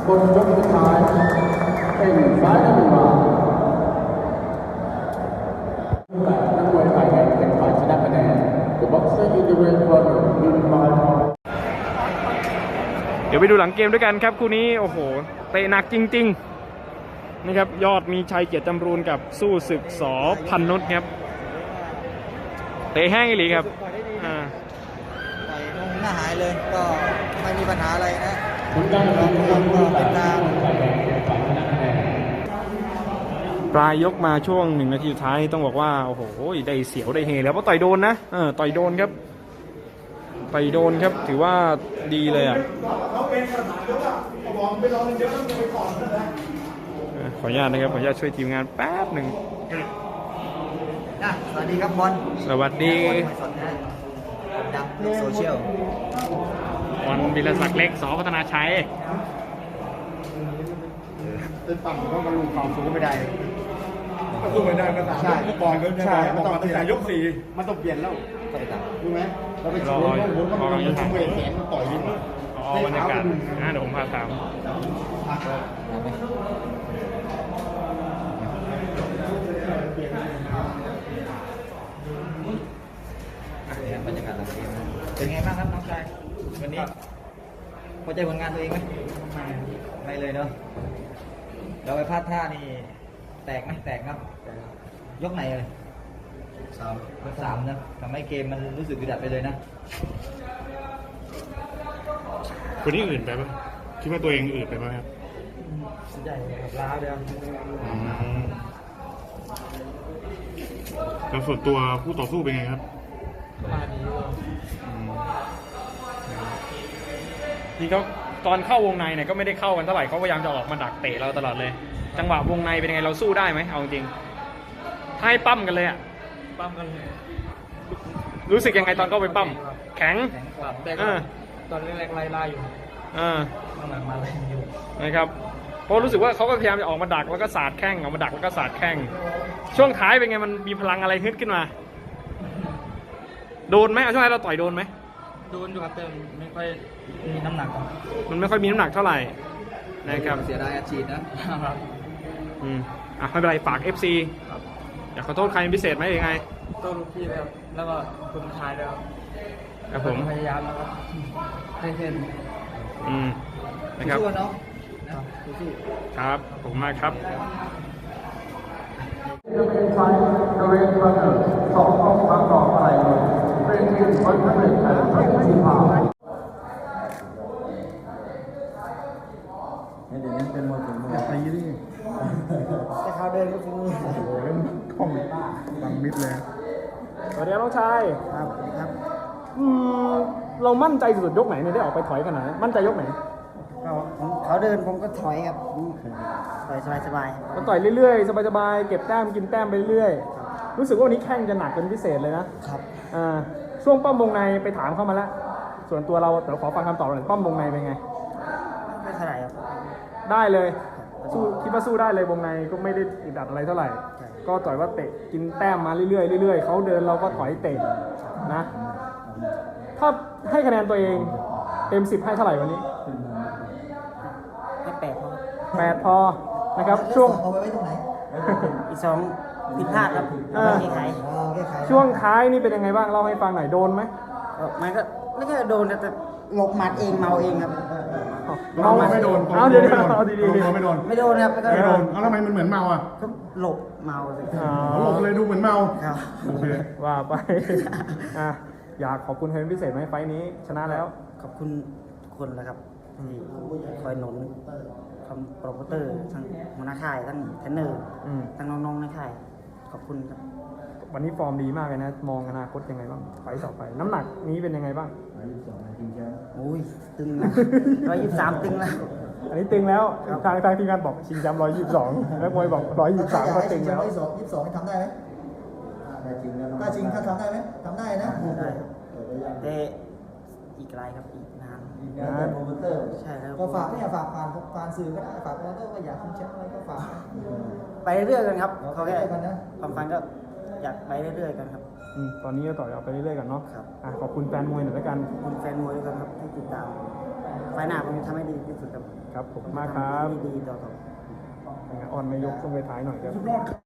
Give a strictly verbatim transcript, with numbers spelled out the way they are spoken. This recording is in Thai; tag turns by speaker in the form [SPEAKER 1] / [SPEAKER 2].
[SPEAKER 1] คนยกสุดท้ายเป็นฝ่ายนักมวยนักมวยฝ่ายแดงเป็นฝ่ายชนะคะแนน The boxer in the red corner win by
[SPEAKER 2] เดี๋ยวไปดูหลังเกมด้วยกันครับคู่นี้โอ้โหเตะหนักจริงๆนะครับยอดมีชัยเกียรติจำรูนกับสู้ศึกสอพันนุชครับเตะแห้งอีหลีครับอ่า
[SPEAKER 3] ต่อยหน้าหายเลยก็ไม่มีปัญหาอะไรนะ
[SPEAKER 1] คุณได้รางวัลก็เป็นทางฝ่ายแดงเป็นฝ่ายชนะคะแนน
[SPEAKER 2] ปลายยกมาช่วงหนึ่งนาทีสุดท้ายต้องบอกว่าโอ้โหได้เสียวได้เฮแล้วเพราะต่อยโดนนะเออต่อยโดนครับต่อยโดนครับถือว่าดีเลยอ่ะขออนุญาตนะครับขออนุญาตช่วยทีมงานแป๊บหนึ่ง
[SPEAKER 3] สวัสดีครับบอล
[SPEAKER 2] สวัสดี
[SPEAKER 3] ดับโซเชียล
[SPEAKER 2] บอลวิรศักดิ์เล็กสพัฒนาชัย
[SPEAKER 3] เป็นฝั่งก็มาลุมความสูงไม่ได้
[SPEAKER 4] ก็สู้ไม่ได้ก็ตามเมื่อก่อนก็ใช่เมื่อก่อนตั้งแต่ยกสี่
[SPEAKER 3] มันต้องเปลี่ยนแล้วรู้ไหมเราไป
[SPEAKER 2] รอรอกำลังจะถาม
[SPEAKER 3] เวทแขนมันต่อยยิ่ง
[SPEAKER 2] อ๋อบรรยากาศนะเดี๋ยวผมพาถาม
[SPEAKER 3] บรรยากาศหลังเกมเป็นไงบ้างครับน้องชายวันนี้พอใจผลงานตัวเองไหมไม่เลยเนาะเราไปพลาดท่านี่แตกไหมแตกครับยกไหนเลยสามยกสามนะทำให้เกมมันรู้สึกอึดอัดไปเลยนะ
[SPEAKER 4] คนนี้อื่นไปปะคิดว่าตัวเองอื่นไปไหมครับ
[SPEAKER 3] สุดใหญ่ครับล้าเลย
[SPEAKER 4] แล้วส่วนตัวผู้ต่อสู้เป็นไงครับ
[SPEAKER 3] มาดี
[SPEAKER 2] ที่เขาตอนเข้าวงในเนี่ยก็ไม่ได้เข้ากันเท่าไหร่เขาพยายามจะออกมาดักเตะเราตลอดเลยจังหวะวงในเป็นยังไงเราสู้ได้ไหมเอาจริงถ้าให้ปั้มกันเลยอ่ะ
[SPEAKER 3] ปั้มกัน
[SPEAKER 2] รู้สึกยังไงตอนเข้าไปปั้มแข็ง
[SPEAKER 3] แต่ตอนแรกๆไล่ล่าอยู่
[SPEAKER 2] อ่า
[SPEAKER 3] หลังมาไล่อยู่
[SPEAKER 2] นะครับเพราะรู้สึกว่าเขาก็พยายามจะออกมาดักแล้วก็สาดแข้งออกมาดักแล้วก็สาดแข้งช่วงท้ายเป็นไงมันมีพลังอะไรฮึดขึ้นมาโดนไหมเอาช่วงท้ายเราต่อยโดนไหม
[SPEAKER 3] โดนอยู่ครับแต่ไม่ค่อยมีน้ำหนัก
[SPEAKER 2] มันไม่ค่อยมีน้ำหนักเท่าไหร่นะครับ
[SPEAKER 3] เสียดายอาชีพนะครับ
[SPEAKER 2] อืมอ่ะไม่เป็นไรฝาก เอฟ ซี อยากขอโทษใครเป็นพิเศษไหมยังไง
[SPEAKER 3] โทษลูกพี่แล้วแล้วก็คุณชายแล้ว
[SPEAKER 2] ครับผม
[SPEAKER 3] พยายามนะครับให้เส้น
[SPEAKER 2] อืมนะครับ
[SPEAKER 3] สู้ๆเนาะ
[SPEAKER 2] ครับผมมากครับ
[SPEAKER 1] จะเป็นฝ่ายเรนบัตเตอร์สองครั้งต่อไปเป็นทีมวันที่หนึ่งและทีมที่ผ่าน
[SPEAKER 3] เดี๋ยวนี้เป็นมวยถึงมวย
[SPEAKER 4] ไปยี่ดิ
[SPEAKER 3] แต่เขาเดินก็คือโอ้
[SPEAKER 4] โหเล่นท่องบังมิดเลย
[SPEAKER 2] สวัสดีน้องชาย
[SPEAKER 3] ครับครับ
[SPEAKER 2] อืมเรามั่นใจสุดยกไหนเนี่ยได้ออกไปถอยขนาดนั้นมั่นใจยกไหน
[SPEAKER 3] เขาเดินผมก็ถอยครับต่อยสบาย
[SPEAKER 2] ๆมันต่อยเรื่อยๆสบายๆเก็บแต้มกินแต้มไปเรื่อยๆรู้สึกว่าวันนี้แข้งจะหนักเป็นพิเศษเลยนะครับอ่าช่วงป้อมวงในไปถามเข้ามาแล้วส่วนตัวเราแต่ขอฟังคำตอบหน่อยป้อมวงในเป็นไง
[SPEAKER 3] ไม่เท่าไหร่ครับ
[SPEAKER 2] ได้เลยสู้คิดว่าสู้ได้เลยวงในก็ไม่ได้อึดอัดอะไรเท่าไหร่ก็ต่อยว่าเตะกินแต้มมาเรื่อยๆเรื่อยๆเขาเดินเราก็ถอยเตะนะถ้าให้คะแนนตัวเองเต็มสิบให้เท่าไหร่วันนี้
[SPEAKER 3] ให้แปดพอ
[SPEAKER 2] แปดพอนะครับช่วง
[SPEAKER 3] เอาไว้ตรงไหนอีกสองผิดพลาดครับแก้ไข
[SPEAKER 2] ช่วงท้ายนี่เป็นยังไงบ้างเล่าให้ฟังหน่อยโดนไหม
[SPEAKER 3] มันก็ไม่ใช่โดนแต่หลบหมัดเองเมาเองครับ
[SPEAKER 4] เมาไม่โดน
[SPEAKER 2] เอาเดี๋ยวเอาดี
[SPEAKER 4] ๆไม่โดน
[SPEAKER 3] ไม่โดนครับ
[SPEAKER 4] ไม่โดนเอาทำไมมันเหมือนเมาอ่ะ
[SPEAKER 3] ก็หลบเมาเลย
[SPEAKER 4] หลบเลยดูเหมือนเมา
[SPEAKER 3] ครับ
[SPEAKER 2] ว่าไปอ่ะอยากขอบคุณใครเป็นพิเศษไหมไฟนี้ชนะแล้ว
[SPEAKER 3] ขอบคุณทุกคนแล้วครับที่คอยหนุนทำโปรโมเตอร์ทั้งหัวหน้าค่ายทั้งเทรนเนอร์ทั้งน้องๆในค่ายขอบคุณครับ
[SPEAKER 2] วันนี้ฟอร์มดีมากเลยนะมองอนาคตยังไงบ้างไฟต่อไปน้ำหนักนี้เป็นยังไงบ้าง
[SPEAKER 3] โอ้ยตึงนะร้อยยี่สิบสามตึงแล้ว
[SPEAKER 2] อันนี้ตึงแล้วทางทางทีมงานบอกชิงแชมป์ร้อยยี่สิบสองแล้วมวยบอกร้อยยี่สิบสามก็ตึงแล้ว
[SPEAKER 3] ร้อยยี่สิบสองทำได้ไหมได้จริงแล้วถ้าจริงถ้าทำได้ไหมทำได้นะได้แต่อีกไกลครับอีกนานอีกนานโปรโมเตอร์ใช่แล้วก็ฝากไม่อยากฝากผ่านผ่านสื่อก็ได้ฝากโปรโมเตอร์ก็อยากชิงแชมป์อะไรก็ฝากไปเรื่อยๆกันครับเขาแค่ความฝันก็อยากไปเรื่อยๆกันครับ
[SPEAKER 2] อืมตอนนี้ก็ต่อยเอาไปเรื่อยๆกันเนาะ
[SPEAKER 5] ครับ
[SPEAKER 2] อ่ะขอบคุณแฟนมวยหน่อยแล้วกัน
[SPEAKER 5] ขอบคุณแฟนมวยด้วยครับที่ติดตามไฟล์หน้าผมจะทำให้ดีที่สุดครับ
[SPEAKER 2] ครับผมมากครับ
[SPEAKER 5] ทำให้ดีๆต่อๆ
[SPEAKER 2] อ่อนนายกต้องไปท้ายหน่อยครับ
[SPEAKER 4] สุดยอดครับ